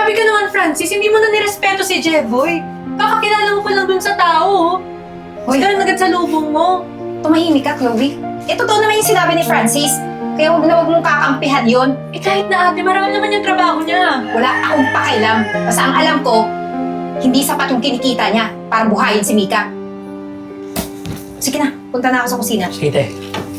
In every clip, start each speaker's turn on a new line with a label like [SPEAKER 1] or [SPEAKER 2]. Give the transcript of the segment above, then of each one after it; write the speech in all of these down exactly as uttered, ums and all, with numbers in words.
[SPEAKER 1] Grabe ka naman, Francis. Hindi mo na nirespeto si Jeboy. Kakakilala mo pa lang dun sa tao. Hoy, ganun agad sa lubong mo.
[SPEAKER 2] Tumahimik ka, Chloe. Eh, totoo naman yung sinabi ni Francis. Kaya huwag na huwag mong kakampihan yun.
[SPEAKER 1] Eh kahit na ate, marangal naman yung trabaho niya.
[SPEAKER 2] Wala akong pakialam. Basta ang alam ko, hindi sapat yung kinikita niya para buhayin si Mika. Sige na, punta na ako sa kusina.
[SPEAKER 3] Sige, te.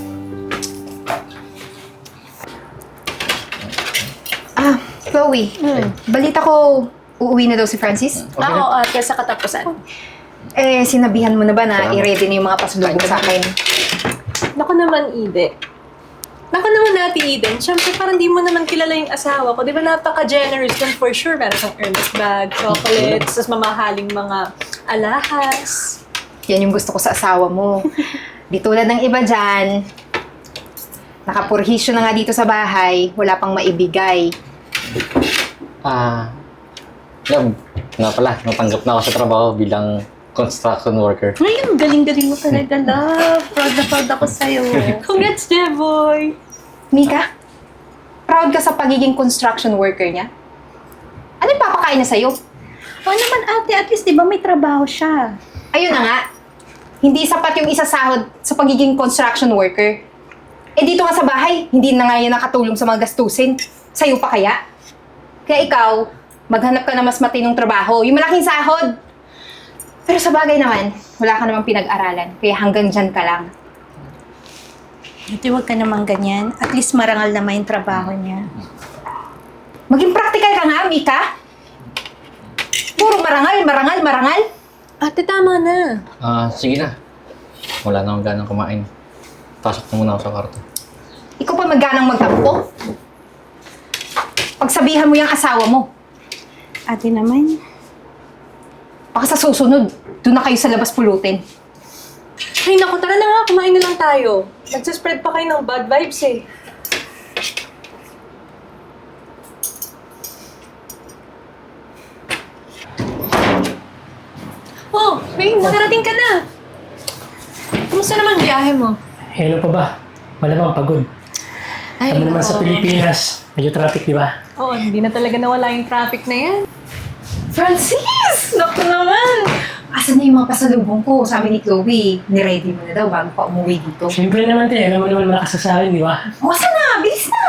[SPEAKER 2] Ah, Chloe. Balita ko, uuwi na daw si Francis.
[SPEAKER 3] Okay
[SPEAKER 1] Oo,
[SPEAKER 3] na.
[SPEAKER 1] ate, sa katapusan.
[SPEAKER 2] Eh, sinabihan mo na ba na
[SPEAKER 3] Salamat.
[SPEAKER 2] i-ready na yung mga pasalubong sa akin?
[SPEAKER 1] Naku naman, Ide. Naku naman natin, Eden. Siyempre, parang di mo naman kilala yung asawa ko. Di ba napaka-generous dun for sure. Meron kang Hermes bag, chocolates, tas mamahaling mga alahas.
[SPEAKER 2] Yan yung gusto ko sa asawa mo. Di tulad ng iba dyan, nakapurhisyo na nga dito sa bahay, wala pang maibigay.
[SPEAKER 4] Ah, love, nga pala, natanggap na ako sa trabaho bilang construction worker.
[SPEAKER 1] Ngayon, galing-galing mo talaga, love. Proud na proud ako sa'yo. Congrats, Jeboy!
[SPEAKER 2] Mika, proud ka sa pagiging construction worker niya? Ano yung papakain niya sa'yo?
[SPEAKER 5] O naman ate, at least di ba may trabaho siya?
[SPEAKER 2] Ayun na nga, hindi sapat yung isasahod sa pagiging construction worker. Eh dito nga sa bahay, hindi na nga yan nakatulong sa mga gastusin. Sa'yo pa kaya? Kaya ikaw, maghanap ka na mas matinong trabaho, yung malaking sahod. Pero sa bagay naman, wala ka namang pinag-aralan, kaya hanggang dyan ka lang.
[SPEAKER 5] Ate, huwag ka naman ganyan. At least marangal naman yung trabaho niya.
[SPEAKER 2] Maging practical ka nga, Mika. Puro marangal, marangal, marangal.
[SPEAKER 1] Ate, tama na.
[SPEAKER 4] Ah, sige na. Wala na akong ganang kumain. Pasok na muna ako sa kwarto.
[SPEAKER 2] Ikaw pa magganang magtampo. Pagsabihan mo yung asawa mo,
[SPEAKER 5] Ate naman,
[SPEAKER 2] baka sa susunod, doon na kayo sa labas pulutin.
[SPEAKER 1] Ay, naku, tara na nga. Kumain na lang tayo. Nagsaspread pa kayo ng bad vibes eh. Oh, Wayne, nakarating ka na. Kumusta naman biyahe mo?
[SPEAKER 3] Eh, ano pa ba? Malamang pagod.
[SPEAKER 1] Ay,
[SPEAKER 3] Alam mo naman sa
[SPEAKER 1] oo.
[SPEAKER 3] Pilipinas, medyo traffic, di ba?
[SPEAKER 1] Oo, hindi na talaga nawala yung traffic na yan.
[SPEAKER 2] Francis! Naku naman! Asan na yung mga pasalubong ko? Sabi ni Chloe, niready mo na daw bago pa umuwi dito.
[SPEAKER 3] Siyempre naman, te. Alam mo naman malakas sa akin, di ba?
[SPEAKER 2] O, asan na? Bilis na!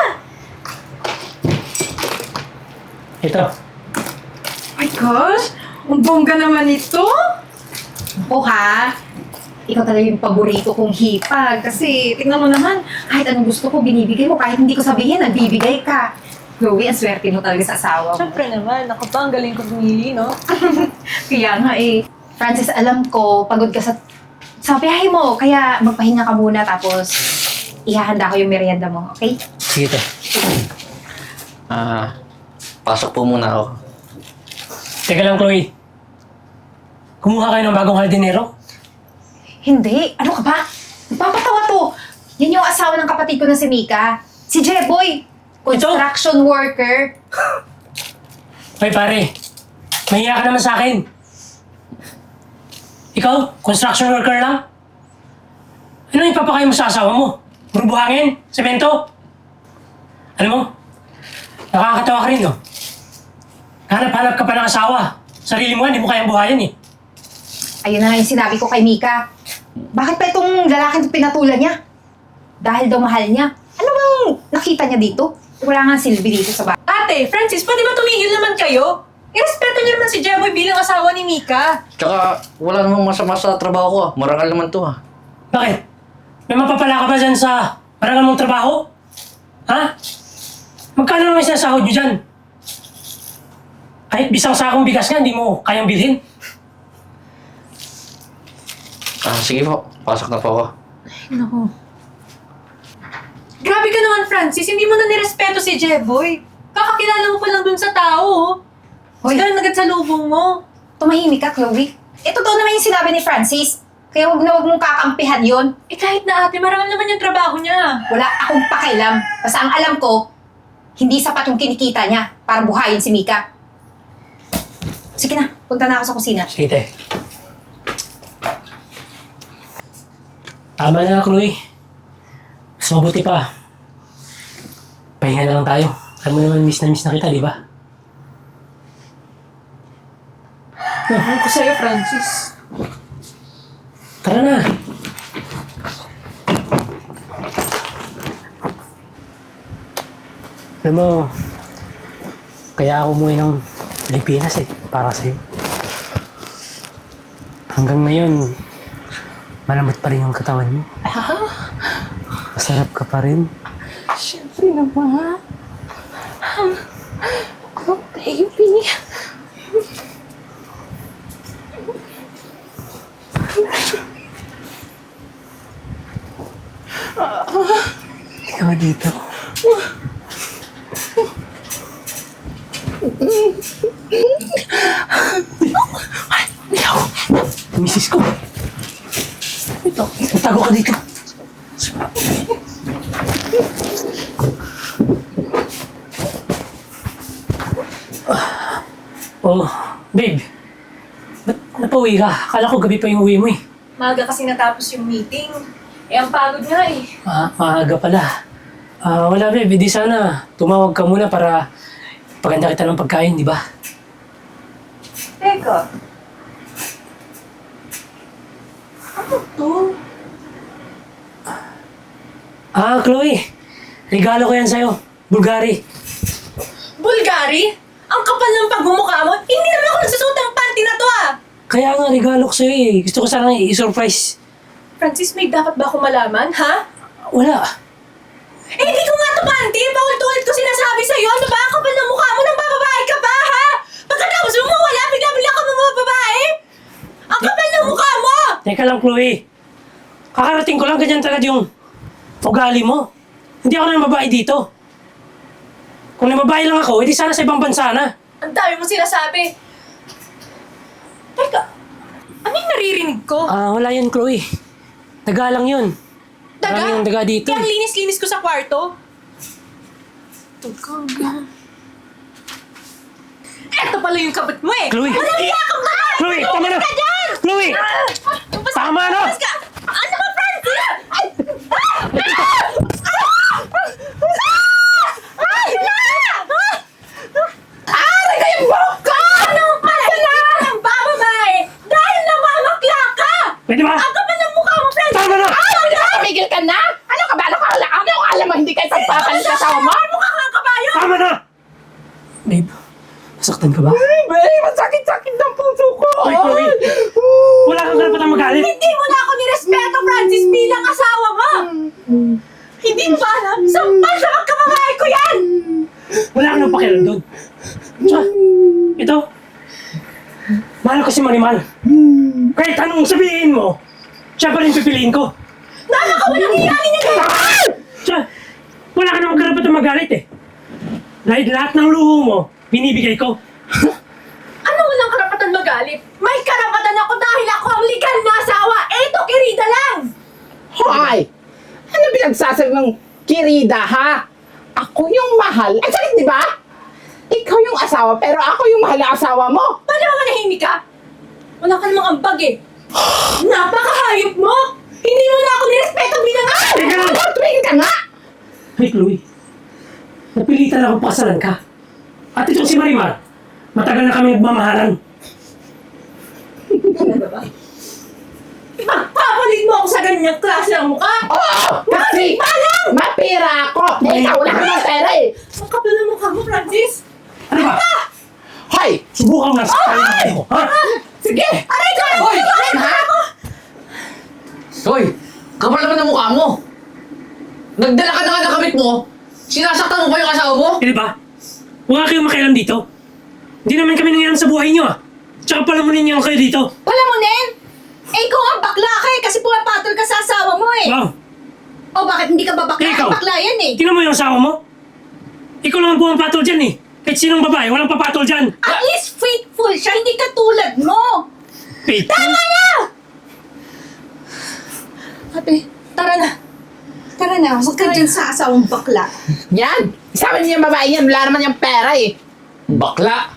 [SPEAKER 3] Ito.
[SPEAKER 2] Oh my gosh! Ang bongga naman ito! Ako ha? Ikaw talaga yung paborito kong hipag. Kasi, tingnan mo naman, kahit anong gusto ko, binibigay mo. Kahit hindi ko sabihin, nagbibigay ka. Chloe, ang swerte mo talaga sa asawa mo.
[SPEAKER 1] Siyempre naman, ako pa, ang galing ko pumili, no?
[SPEAKER 2] Kaya nga eh. Francis, alam ko, pagod ka sa, sa biyahe mo. Kaya magpahinga ka muna tapos ihahanda ko yung merienda mo, okay?
[SPEAKER 3] Sige, te.
[SPEAKER 4] Ah, pasok po muna ako.
[SPEAKER 3] Teka lang, Chloe. Kumuha kayo ng bagong hardinero?
[SPEAKER 2] Hindi. Ano ka ba? Nagpapatawa to. Yan yung asawa ng kapatid ko na si Mika. Si Jeboy. Construction worker.
[SPEAKER 3] Hoy, pare. Mahiya ka naman sa akin. Ikaw, construction worker lang? Ano yung papakain mo sa asawa mo? Puro buhangin? Semento? Alam mo, nakakatawa ka rin, no? Hanap-hanap ka pa ng asawa. Sarili mo, hindi mo kayang buhayin, eh.
[SPEAKER 2] Ayun na nga yung sinabi ko kay Mika. Bakit pa itong lalaking pinatulan niya? Dahil daw mahal niya. Ano bang nakita niya dito? Wala nga silbi dito sa bahay.
[SPEAKER 1] Ate, Francis, pwede ba tumigil naman kayo? Irespeto niyo naman si Jeboy bilang asawa ni Mika.
[SPEAKER 4] Tsaka, wala namang masama sa trabaho ko ah. Marangal naman to ah.
[SPEAKER 3] Bakit? May mapapala ka ba dyan sa marangal mong trabaho? Ha? Magkano naman sinasahod nyo dyan? Kahit bisang sakong bigas nga, hindi mo kayang bilhin.
[SPEAKER 4] Ah, sige po. Pasok na po ako.
[SPEAKER 1] Naku. Grabe ka naman, Francis. Hindi mo na nirespeto si Jeboy. Kakakilala mo pa lang dun sa tao. Hoy, ganun agad sa lubong mo.
[SPEAKER 2] Tumahimik ka, Chloe. Eh, totoo naman yung sinabi ni Francis. Kaya huwag na huwag mong kakampihan yun.
[SPEAKER 1] Eh kahit na ate, marangal naman yung trabaho niya.
[SPEAKER 2] Wala akong pakialam. Basta ang alam ko, hindi sapat yung kinikita niya para buhayin si Mika. Sige na, punta na ako sa kusina.
[SPEAKER 3] Sige, te. Tama na, Chloe. Mas mabuti pa. Pahinga na lang tayo. Alam mo naman, miss na miss na kita, di ba?
[SPEAKER 1] Ewan ko sa'yo, Francis.
[SPEAKER 3] Tara na. Alam mo, kaya ako umuwi ng Pilipinas eh, para sa'yo. Hanggang ngayon, malamot pa rin yung katawan mo. Masarap ka pa rin.
[SPEAKER 2] Siyempre naman. Oh, baby.
[SPEAKER 3] Ikaw dito. Misis ko. Ito, tago ka dito. Oh, babe. Ba't napauwi ka? Akala ko gabi pa yung uwi mo eh.
[SPEAKER 1] Maaga kasi natapos yung meeting. Eh, ang pagod nga eh.
[SPEAKER 3] Ah, maaga pala. Ah, wala babe, di sana tumawag ka muna para paganda kita ng pagkain, di ba?
[SPEAKER 1] Teka. Ano to?
[SPEAKER 3] Ah, Chloe. Regalo ko yan sa'yo. Bulgari.
[SPEAKER 1] Bulgari? Ang kapal ng pagmumukha mo? Hindi naman ako nagsusuot ng panty na to ah!
[SPEAKER 3] Kaya nga, regalo ko sa'yo eh. Gusto ko sanang i-surprise.
[SPEAKER 1] Francis, may dapat ba ako malaman, ha?
[SPEAKER 3] Wala.
[SPEAKER 1] Eh, hindi ko nga to panty! Paulit-ulit ko sinasabi sa'yo! Ano ba? Ang kapal ng mukha mo? Nang bababae ka ba, ha? Pagkatapos mo mawala, bigla-bigla ka mga babae! Ang kapal ng mukha mo!
[SPEAKER 3] Teka lang, Chloe. Kakarating ko lang ganyan talaga yung ugali mo. Hindi ako nang babae dito. Kung nababae lang ako, edi sana sa ibang bansa na.
[SPEAKER 1] Ang dami mo sinasabi. Teka, ano yung naririnig ko?
[SPEAKER 3] Ah, wala yan, Chloe. Daga lang yun.
[SPEAKER 1] Daga?
[SPEAKER 3] Marami yung daga dito.
[SPEAKER 1] Kaya ang linis-linis ko sa kwarto. Daga. Eto pala yung kabit mo eh!
[SPEAKER 3] Chloe!
[SPEAKER 1] Walang iya ka ba?
[SPEAKER 3] Chloe, tama na!
[SPEAKER 1] Ka dyan!
[SPEAKER 3] Chloe!
[SPEAKER 1] Basta-
[SPEAKER 3] Tama na!
[SPEAKER 1] basta ka- Ano ba, Francis? Ay! Ay! Aray ko yung buhok ko! Ano pala? Hindi ka ng bababae dahil namamakla ka!
[SPEAKER 3] Pwede ba?
[SPEAKER 1] Ang kapal ng mukha mo, Francis!
[SPEAKER 3] Tama na!
[SPEAKER 6] Tumigil ka na! Ano ka ba? Ano ka, ano ka alam mo hindi kayo pagpapalit sa asawa mo?
[SPEAKER 1] Mukha kang kabayo!
[SPEAKER 3] Tama na! Babe, nasaktan ka ba?
[SPEAKER 6] Babe, masakit-sakit ng puso ko!
[SPEAKER 3] Hoy, Chloe! Wala kang karapatang magalit!
[SPEAKER 1] Hindi mo na ako nirespeto, Francis, bilang asawa mo! Hindi mo ba alam? Sampal sa magkababae ko yan!
[SPEAKER 3] Wala kang pakialam doon. Tsaka, ito. Mahal ko si Marimal. Kahit anong sabihin mo, siya pa rin pipiliin ko.
[SPEAKER 1] Nana ka walang hiyanin niya dito!
[SPEAKER 3] Tsaka, wala ka namang karapatang magalit eh. Dahil lahat ng luho mo, binibigay ko.
[SPEAKER 1] Ano walang karapatan magalit? May karapatan ako dahil ako ang legal na asawa! Eto, kirida lang!
[SPEAKER 6] Hoy! Ano pinagsasabi mong kirida, ha? Ako yung mahal. Ang sakit, di ba? Ikaw yung asawa, pero ako yung mahal na asawa mo.
[SPEAKER 1] Paano ba manahimik ka? Wala ka namang ambag eh. Napakahayop mo! Hindi mo na ako nirespeto bilang asawa!
[SPEAKER 3] Teka lang!
[SPEAKER 6] Ano, tumigil ka nga!
[SPEAKER 3] Hey, Chloe. Napilitan akong pakasalan ka. At itong si Marimar, matagal na kami nagmamahalan.
[SPEAKER 1] Ipagpapalit mo ako sa ganyang klase ng mukha!
[SPEAKER 6] Oo! Kasi mapira ako! Eh, ikaw wala ka ng pera eh!
[SPEAKER 1] Ang kapal ng mukha mo, Francis!
[SPEAKER 3] Ano ba?
[SPEAKER 6] Hoy!
[SPEAKER 3] Subukan mo lang sa tayo mo, ha?
[SPEAKER 6] Sige!
[SPEAKER 1] Aray ko!
[SPEAKER 6] Hoy!
[SPEAKER 1] Aray ko!
[SPEAKER 6] Ha?
[SPEAKER 4] Hoy! Kapal naman ang mukha mo! Nagdala ka na nga ng kamit mo! Sinasaktan mo pa yung asawa mo?
[SPEAKER 3] Eh, di ba? Huwag kayong makialam dito. Hindi naman kami nangyayang sa buhay niyo, ah. Tsaka pala mo ninyo kayo dito.
[SPEAKER 5] Palamunin? Eh, ikaw ang bakla ka eh, kasi pumapatol ka sa asawa mo eh.
[SPEAKER 3] Wow.
[SPEAKER 5] O bakit hindi ka ba bakla?
[SPEAKER 3] Ikaw.
[SPEAKER 5] Eh, bakla yan eh.
[SPEAKER 3] Tingnan mo yung asawa mo. Ikaw lang ang pumapatol dyan, eh. Kahit sinong babae, walang papatol dyan.
[SPEAKER 5] At least faithful siya, hindi katulad mo.
[SPEAKER 3] Faith.
[SPEAKER 5] Tama na! Ate, tara na. Tara na, huwag ka dyan sa asawang bakla.
[SPEAKER 6] Yan! Isama niyo yung babae yan, wala naman yung pera eh!
[SPEAKER 4] Bakla!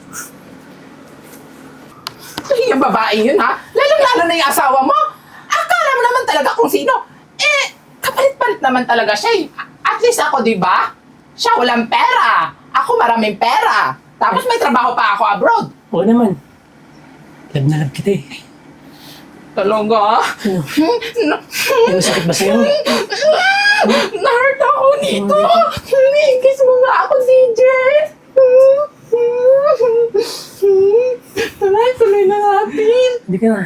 [SPEAKER 6] Ay, yung babae yun ha? Lalong-lalo na yung asawa mo! Akala mo naman talaga kung sino! Eh, kapalit-palit naman talaga siya eh. At least ako, di ba? Siya walang pera. Ako maraming pera. Tapos may trabaho pa ako abroad.
[SPEAKER 3] Oo naman. Love na love kita eh.
[SPEAKER 6] Talaga? Na-
[SPEAKER 3] Ano sakit ba sa'yo?
[SPEAKER 6] Na-hurt ako nito. Kiss mo nga ako, D J. Tara, tuloy na natin.
[SPEAKER 3] Hindi ka na.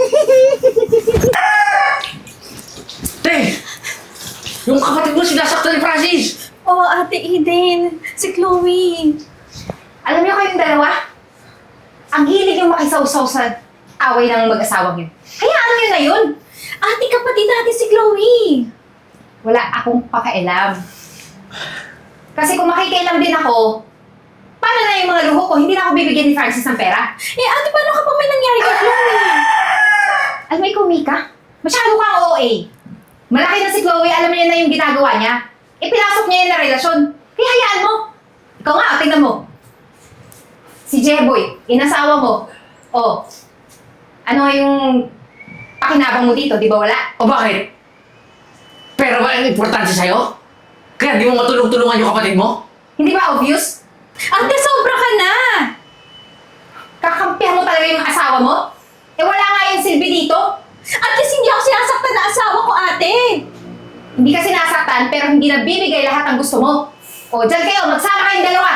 [SPEAKER 7] Te! Yung kapatid mo sinasaktan ni Francis!
[SPEAKER 5] Oo, Ate Eden. Si Chloe.
[SPEAKER 2] Alam niyo kayong dalawa? Ang hilig yung makisawsaw sa away ng mag-asawang yun. Hayaan niyo na yun.
[SPEAKER 5] Ate, kapatid natin si Chloe.
[SPEAKER 2] Wala akong pakialam. Kasi kung makikialam din ako, paano na yung mga luho ko? Hindi na ako bibigyan ni Francis ng pera.
[SPEAKER 5] Eh, ate, paano kapag may nangyari kay Chloe?
[SPEAKER 2] Alam mo, ikaw, Mika, masyado kang O A. Malaki na si Chloe, alam niya na yung ginagawa niya. Ipinasok niya yun na relasyon. Kaya hayaan mo. Ikaw nga, tingnan mo. Si Jeboy, inasawa mo. Oh, ano nga yung pakinabang mo dito, di ba wala?
[SPEAKER 7] O bakit? Pero ba ang importante sa'yo? Kaya di mo matulong-tulungan yung kapatid mo?
[SPEAKER 2] Hindi ba obvious?
[SPEAKER 5] Ate, sobra ka na.
[SPEAKER 2] Kakampihan mo talaga yung asawa mo? Eh wala nga yung silbi dito.
[SPEAKER 5] At least hindi ako sinasaktan na asawa ko, ate.
[SPEAKER 2] Hindi ka sinasaktan pero hindi nabibigay lahat ng gusto mo. O, dyan kayo, magsama kayong dalawa.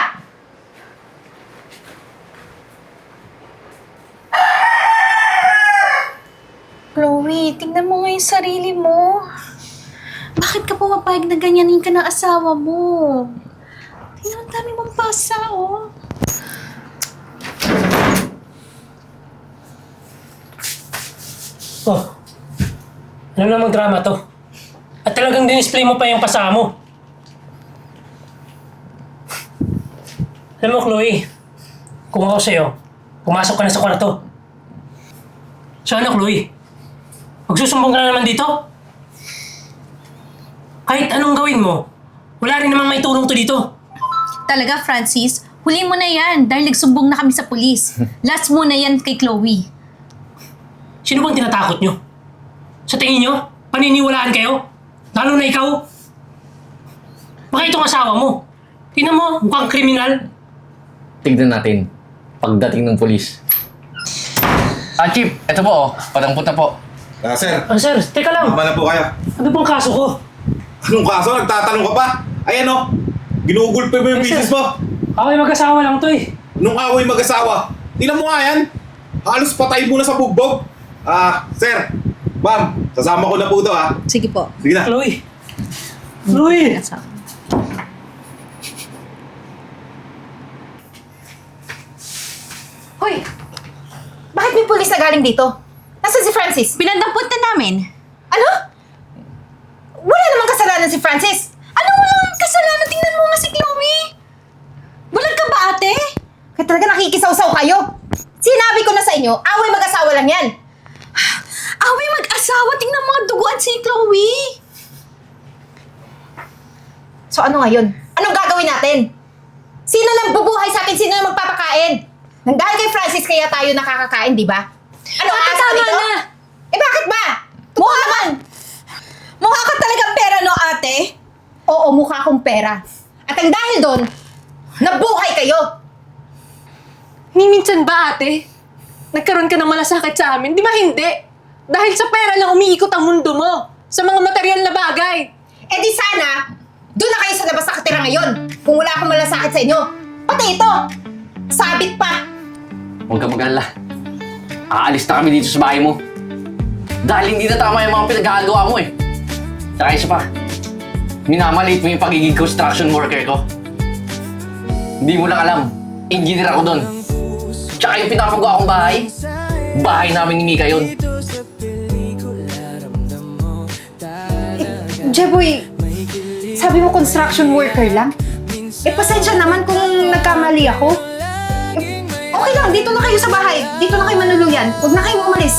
[SPEAKER 5] Chloe, tingnan mo nga yung sarili mo. Bakit ka pumapayag na ganyanin ka ng asawa mo? Tingnan, ang dami mong pasa, oh.
[SPEAKER 3] Oh, ano namang drama to? At talagang dinisplay mo pa yung pasama mo. Alam mo, Chloe, kung ako sa'yo, pumasok ka na sa kwarto. So ano, Chloe? Magsusumbong ka na naman dito? Kahit anong gawin mo, wala rin namang may tulong to dito.
[SPEAKER 5] Talaga, Francis, huli mo na yan dahil nagsumbong na kami sa pulis. Last mo na yan kay Chloe.
[SPEAKER 3] Sino bang tinatakot nyo? Sa tingin nyo, paniniwalaan kayo? Lalo na ikaw? Baka itong asawa mo. Tingnan mo, mukhang kriminal.
[SPEAKER 4] Tignan natin. Pagdating ng polis.
[SPEAKER 7] Ah, Chief, eto po oh. Padampot na po.
[SPEAKER 8] Ah, sir,
[SPEAKER 3] Ah, sir, teka lang.
[SPEAKER 8] tama na po kayo.
[SPEAKER 3] Ano bang kaso ko?
[SPEAKER 8] Anong kaso? Nagtatanong ka pa? Ayan o, ginugulpe mo yung
[SPEAKER 3] Yes, sir.
[SPEAKER 8] misis mo.
[SPEAKER 3] Ako ay mag-asawa lang to eh.
[SPEAKER 8] Nung away mag-asawa. Tingnan mo nga yan. Halos patay mo na sa bugbog. Ah, sir, ma'am, sasama ko na po ito ha.
[SPEAKER 5] Sige po.
[SPEAKER 8] Sige na.
[SPEAKER 3] Chloe. Chloe.
[SPEAKER 2] Hoy! Bakit may pulis na galing dito? Nasaan si Francis?
[SPEAKER 5] Pinandampot na namin.
[SPEAKER 2] Ano? Wala namang kasalanan si Francis.
[SPEAKER 5] Ano walang kasalanan? Tingnan mo nga si Chloe. Bulag ka ba, ate?
[SPEAKER 2] Kaya talaga nakikisaw-saw kayo. Sinabi ko na sa inyo, away mag-asawa lang yan.
[SPEAKER 5] Away mag-asawa. Tingnan mga duguan si Chloe.
[SPEAKER 2] So ano ngayon? Anong gagawin natin? Sino nang bubuhay sa atin? Sino nang magpapakain? Nang dahil kay Francis kaya tayo nakakakain, di ba? Ano
[SPEAKER 5] Ate,
[SPEAKER 2] asa
[SPEAKER 5] tama
[SPEAKER 2] dito?
[SPEAKER 5] na.
[SPEAKER 2] Eh bakit ba? Mukha naman!
[SPEAKER 5] Mukha ka talagang pera, no, ate?
[SPEAKER 2] Oo, mukha akong pera. At ang dahil doon, nabuhay kayo!
[SPEAKER 1] Ni minsan ba, ate? Nagkaroon ka ng malasakit sa amin? Di ba hindi? Dahil sa pera lang umiikot ang mundo mo. Sa mga material na bagay.
[SPEAKER 2] Eh di sana, doon na kayo sa labas nakatira ngayon. Kung wala akong malasakit sa inyo. Pati ito, sabit pa.
[SPEAKER 7] Huwag ka mag-alala. Aalis na kami dito sa bahay mo. Dahil hindi na tama yung mga pinagkakagawa mo eh. Saka isa pa, minamaliit mo yung pagiging construction worker ko. Hindi mo lang alam, engineer ako doon. Tsaka yung pinapagawa kong bahay, bahay namin ni Mika yun.
[SPEAKER 2] Jeboy, sabi mo construction worker lang? Eh, pasensya naman kung nagkamali ako. Eh, okay lang, dito na kayo sa bahay. Dito na kayo manuluyan. Huwag na kayong umalis.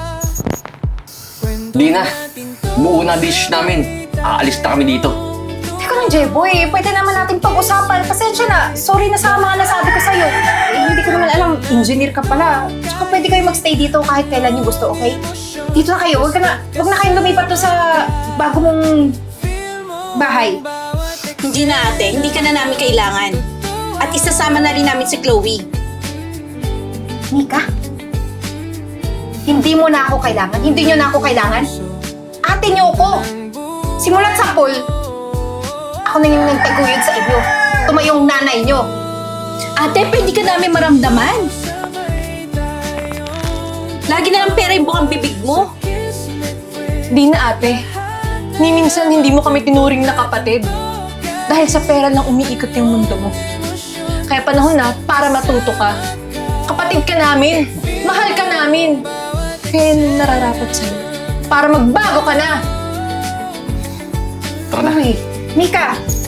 [SPEAKER 7] Di na, buo na dish namin. Aalis na kami dito.
[SPEAKER 2] Teka lang, Jeboy. Pwede naman natin pag-usapan. Pasensya na. Sorry na sa mga nasabi ko sa'yo. Eh, hindi ko naman alam. Engineer ka pala. Tsaka pwede kayo magstay dito kahit kailan nyo gusto, okay? Dito na kayo. Huwag, ka na, huwag na kayong lumipat to sa bago mong bahay.
[SPEAKER 5] Hindi na, ate. Hindi ka na namin kailangan. At isasama na rin namin si Chloe.
[SPEAKER 2] Mika, Hindi mo na ako kailangan. Hindi nyo na ako kailangan. Ate nyo ko. Simulat sa pool, ako na yung nagtaguyod sa inyo. Tumayong nanay nyo.
[SPEAKER 5] Ate, pwede ka namin maramdaman. Lagi na lang pera yung bukang bibig mo.
[SPEAKER 1] Di na ate. Ni minsan hindi mo kami tinuring na kapatid. Dahil sa pera lang umiikot yung mundo mo. Kaya panahon na para matuto ka. Kapatid ka namin. Mahal ka namin. Kaya yun ang nararapat sa'yo. Para magbago ka na.
[SPEAKER 4] Tara na.
[SPEAKER 2] Uy, Mika,